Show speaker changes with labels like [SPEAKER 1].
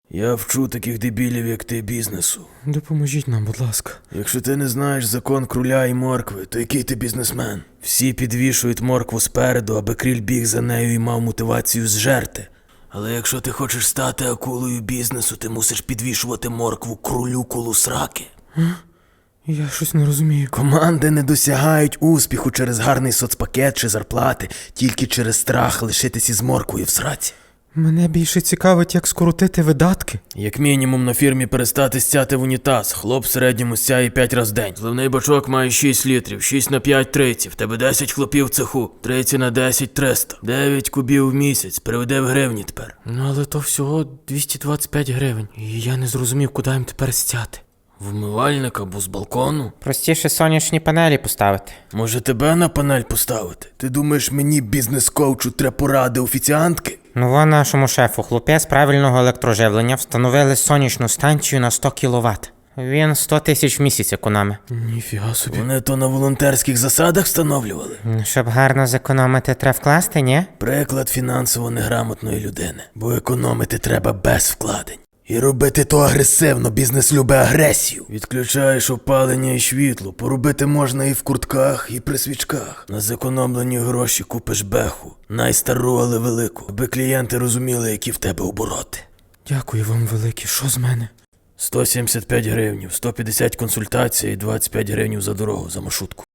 [SPEAKER 1] Я вчу таких дебілів, як ти, бізнесу.
[SPEAKER 2] Допоможіть нам, будь ласка.
[SPEAKER 1] Якщо ти не знаєш закон круля і моркви, то який ти бізнесмен? Всі підвішують моркву спереду, аби кріль біг за нею і мав мотивацію зжерти. Але якщо ти хочеш стати акулою бізнесу, ти мусиш підвішувати моркву крулю коло сраки.
[SPEAKER 2] Я щось не розумію.
[SPEAKER 1] Команди не досягають успіху через гарний соцпакет чи зарплати, тільки через страх лишитись із морквою в сраці.
[SPEAKER 2] Мене більше цікавить, як скоротити видатки.
[SPEAKER 1] Як мінімум на фірмі перестати стяти в унітаз. Хлоп в середньому стяє 5 разів в день. Зливний бачок має 6 літрів, 6 на 5 – 30. В тебе 10 хлопів в цеху, 30 на 10 – 300. 9 кубів в місяць, переведи в гривні тепер.
[SPEAKER 2] Ну але то всього 225 гривень. І я не зрозумів, куди їм тепер стяти.
[SPEAKER 1] Вмивальник або з балкону?
[SPEAKER 3] Простіше сонячні панелі поставити.
[SPEAKER 1] Може тебе на панель поставити? Ти думаєш, мені бізнес-коучу треба поради офіціантки?
[SPEAKER 3] Ну во нашому шефу хлопець правильного електроживлення встановили сонячну станцію на 100 кВт. Він 100 тисяч в місяць економить.
[SPEAKER 2] Ніфіга собі.
[SPEAKER 1] Вони то на волонтерських засадах встановлювали?
[SPEAKER 3] Щоб гарно зекономити, треба вкласти, ні?
[SPEAKER 1] Приклад фінансово неграмотної людини. Бо економити треба без вкладень. І робити то агресивно, бізнес любить агресію. Відключаєш опалення і світло, поробити можна і в куртках, і при свічках. На зекономлені гроші купиш беху, найстару, але велику, аби клієнти розуміли, які в тебе обороти.
[SPEAKER 2] Дякую вам велике. Що з мене?
[SPEAKER 1] 175 гривнів, 150 консультацій і 25 гривнів за дорогу, за маршрутку.